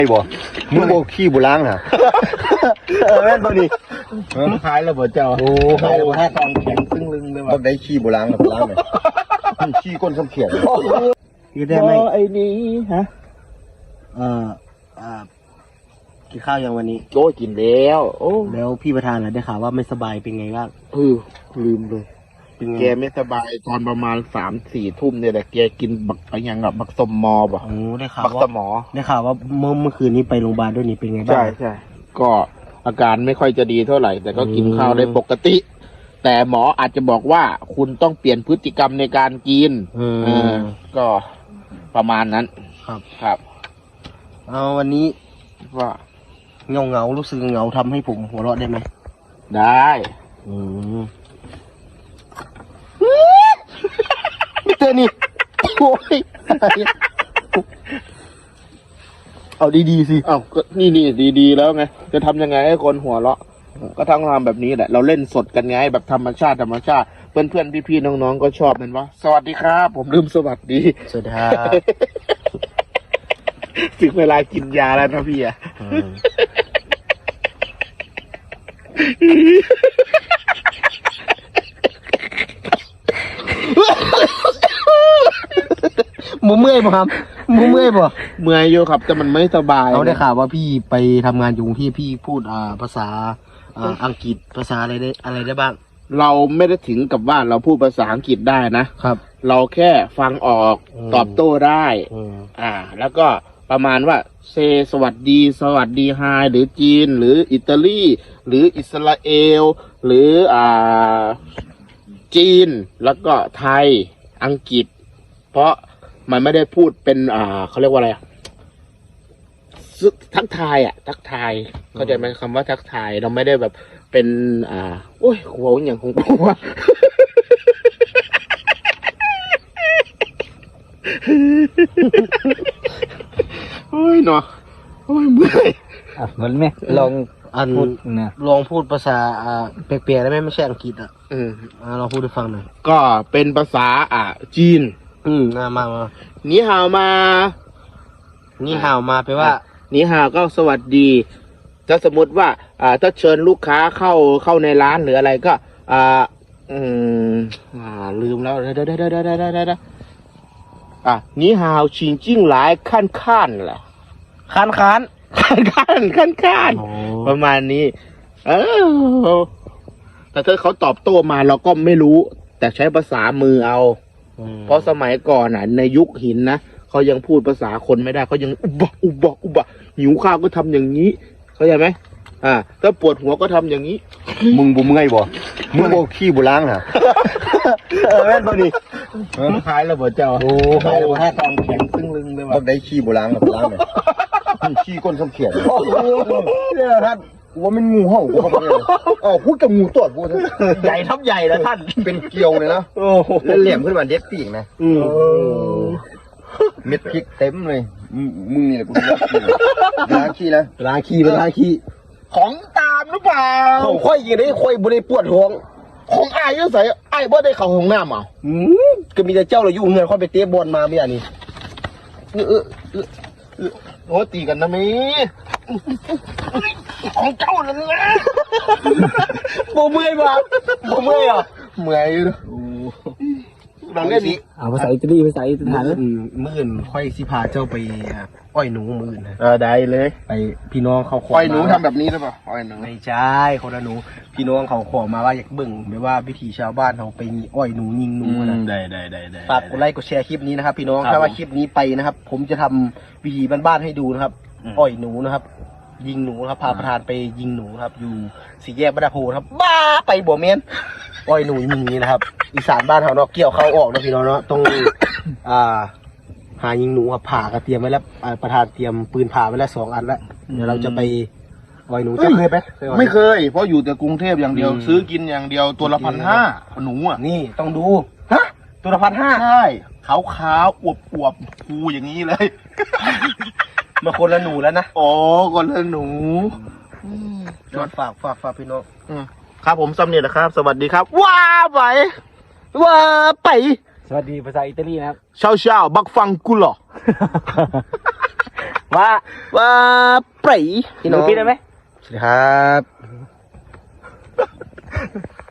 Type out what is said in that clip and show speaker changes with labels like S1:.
S1: ไอ้บ่มึงโบขี้บุล้างนะแม่นตัวนี้
S2: ขายแล้วบ่เจ้า
S1: โอ้
S2: ขายแล้วบ่ถ้าตอนแข็งซึ่งลึงเลยว่ะ
S1: บักได้ขี้บุล้างนะบุล้างเลยขี้ก้นส้มเขียน
S2: คือได้ไหมไอ้นี้ฮะกินข้าวยังวันนี้
S1: โอ้กินแล้วโอ้
S2: แล้วพี่ประธานน่ะได้ข่าวว่าไม่สบายเป็นไงบ้าง
S1: ลืมเลยแกไม่สบายตอนประมาณ3-4 ทุ่มเนี่ยแหละแกกินบักอะไรอย่างบักสมอป่ะ
S2: ได้ข่าว
S1: บักสมอ
S2: ได้ข่าวว่าเมื่อคืนนี้ไปโรงพยาบาลด้วยนี่เป็นไงบ้าง
S1: ใช่ก็อาการไม่ค่อยจะดีเท่าไหร่แต่ก็กินข้าวได้ปกติแต่หมออาจจะบอกว่าคุณต้องเปลี่ยนพฤติกรรมในการกินก็ประมาณนั้นครับ
S2: เอาวันนี้
S1: ว่า
S2: เงารู้สึกเงาทำให้ผมหัวเราะได้ไหม
S1: ได้ไม่เจอนี่โอ้ยเอาดีๆสิเอาก็นี่ดีๆแล้วไงจะทำยังไงให้คนหัวเราะก็ทั้งทำแบบนี้แหละเราเล่นสดกันไงแบบธรรมชาติเพื่อนพี่ๆน้องๆก็ชอบมันวะสวัสดีครับผมลืมสวัสดี
S2: สวัสดีครับ
S1: ถึงเวลากินยาแล้วนะพี่อะ
S2: มึงเมื่อยป่ะครับมึงเมื่อยป่ะ
S1: เมื่อยอยู่ครับแต่มันไม่สบาย
S2: เขาได้ข่าวว่าพี่ไปทำงานอยู่ที่พี่พูดภาษาอังกฤษภาษาอะไรได้บ้าง
S1: เราไม่ได้ถึงกับว่าเราพูดภาษาอังกฤษได้นะครับเราแค่ฟังออกตอบโต้ได้แล้วก็ประมาณว่าเซสวัสดีไฮหรือจีนหรืออิตาลีหรืออิสราเอลหรือจีนแล้วก็ไทยอังกฤษเพราะมันไม่ได้พูดเป็นเขาเรียกว่าอะไรทักทายเข้าใจไหมคำว่าทักทายเราไม่ได้แบบเป็นโอ้ยหัวอย่างของกูว่าโอ้ยเนาะโอ้ยเมื่อย
S2: มันไหมลองพูดนะลองพูดภาษาเปียกๆได้ไหมไม่ใช่อังกฤษลองพูดให้ฟังหน่อย
S1: ก็เป็นภาษาจีน
S2: มา
S1: นี่ฮาวมา
S2: แปลว่า
S1: นี่ฮาวก็สวัสดีถ้าสมมติว่าถ้าเชิญลูกค้าเข้าในร้านหรืออะไรก็ลืมแล้วได้นี่ฮาวชิงจิ้งหลายขั้นแหละ
S2: ขั้น
S1: ประมาณนี้แต่ถ้าเขาตอบโต้มาเราก็ไม่รู้แต่ใช้ภาษามือเอาเพราะสมัยก่อนในยุคหินนะเขายังพูดภาษาคนไม่ได้เขายังอุบะหิวข้าวก็ทำอย่างนี้เข้าใจไหมถ้าปวดหัวก็ทำอย่างนี้มึงบุเมื่อยบ่มึงโบขี้บุล้างนะแม่นตัวนี้
S2: ขายแล้วบ่เจ้าขายแล้วบ่ถ้าตอนแข็งซึ่งลึงเลยว่ะ
S1: บักได้ขี้บุล้างนะบุล้างเลยขี้ก้นส้มเขียนเนี่ยท่านว่ามันงูเห่ากูเข้าไปเลยพูดกับงูตอดกู
S2: ใหญ่ทับใหญ่แล้วท่าน
S1: เป็นเกลียวเลยนะแล้วเหลี่ยมขึ้นมาเด็ดปีกนะเม็ดพริกเต็มเลยมึงนี่แหละกูล้างขี้นะ
S2: ล้างขี้
S1: ของตามหรือเปล่า
S2: ของค่อยยิงได้ค่อยบริปวดท้อง
S1: ของไอ้ยังใส่ไอ้บ่ได้เข้าห้องน้ำ
S2: ก็มีแต่เจ้าเราอยู่เงินค่อยไปเตะบอลมาไม่อย่างนี้
S1: โอ้ตีกันนะมีของเจ้านั่นแหละ
S2: โมเมื่อยป่ะเ
S1: มื่อยหลังเล่นนี้
S2: ภาษาอิตาลีมื่นค่อยสิพาเจ้าไปอ้อยหนูมื่น
S1: ได้เลย
S2: ไปพี่น้องเขาขอ
S1: อ้อยหนูทำแบบนี้หรือเปล่าอ้อยหนู
S2: ไม่ใช่คนละหนูพี่น้องเขาขอมาว่าอยากเบิ่งไม่ว่าวิถีชาวบ้านเขาไปอ้อยหนูยิงหนูนะ
S1: ได้
S2: ฝากกดไลค์กดแชร์คลิปนี้นะครับพี่น้องถ้าว่าคลิปนี้ไปนะครับผมจะทำวิถีบ้านๆให้ดูนะครับอ้อยหนูนะครับยิงหนูครับพาประธานไปยิงหนูครับอยู่สี่แยกบ้านโพครับบ้าไปบ่เมนอ้อยหนูยิงนี้นะครับอีสานบ้านเขาเนาะเกี่ยวเข้าออกนะพี่น้องเนาะต้องหายิงหนูครับผ่ากระเทียมไว้แล้วประธานเตรียมปืนผ่าไว้แล้ว2 อันแล้วเดี๋ยวเราจะไปอ้อยหนูจะเคยไหม
S1: ไม่เคยเพราะอยู่แต่กรุงเทพอย่างเดียวซื้อกินอย่างเดียวตัวละ1,500หนู
S2: นี่ต้องดูตัวละ
S1: 1,500ใช่ขาวอวบฟูอย่างนี้เลย
S2: มาคนละหนูแล้วนะ
S1: คนละหนู
S2: ฝากพี่น้อง
S1: ครับผมสำเนียงนะครับสวัสดีครับว้าไป
S2: สวัสดีภาษาอิตาลีนะครับ
S1: เช้าบักฟังกูหรอ
S2: ว่าไปพี่น้อง
S3: พี่ได้ไหม
S2: สวัสดีครับ